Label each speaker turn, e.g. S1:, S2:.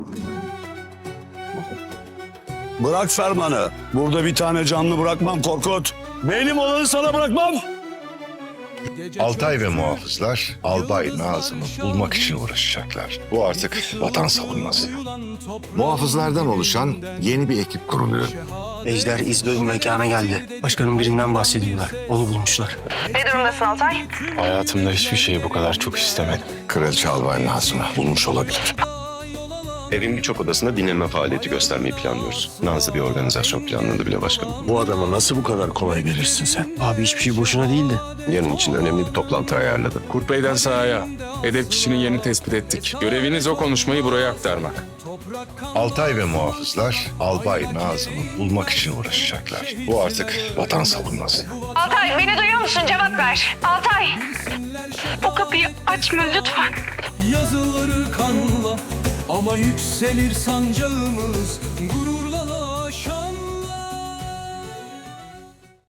S1: Bırak fermanı. Burada bir tane canlı bırakmam Korkut. Benim olanı sana bırakmam.
S2: Altay ve muhafızlar Albay Nazım'ı bulmak için uğraşacaklar. Bu artık vatan savunması.
S3: Muhafızlardan oluşan yeni bir ekip kuruluyor.
S4: Ejder İzmir'in mekana geldi. Başkanın birinden bahsediyorlar. Onu bulmuşlar.
S5: Ne durumdasın Altay?
S6: Hayatımda hiçbir şeyi bu kadar çok istemedim.
S3: Kraliçe Albay Nazım'ı bulmuş olabilir.
S7: Evin birçok odasında dinlenme faaliyeti göstermeyi planlıyoruz. Nazlı bir organizasyon planladı bile başkanım.
S3: Bu adama nasıl bu kadar kolay verirsin sen?
S4: Abi hiçbir şey boşuna değil de.
S7: Yarın için önemli bir toplantı ayarladı.
S6: Kurt Bey'den sahaya. Hedef kişinin yerini tespit ettik. Göreviniz o konuşmayı buraya aktarmak.
S2: Altay ve muhafızlar Albay Nazım'ı bulmak için uğraşacaklar. Bu artık vatan savunması.
S5: Altay beni duyuyor musun? Cevap ver. Altay. O kapıyı açma lütfen.
S8: Yazıları kanla ama yükselir sancağımız gururla.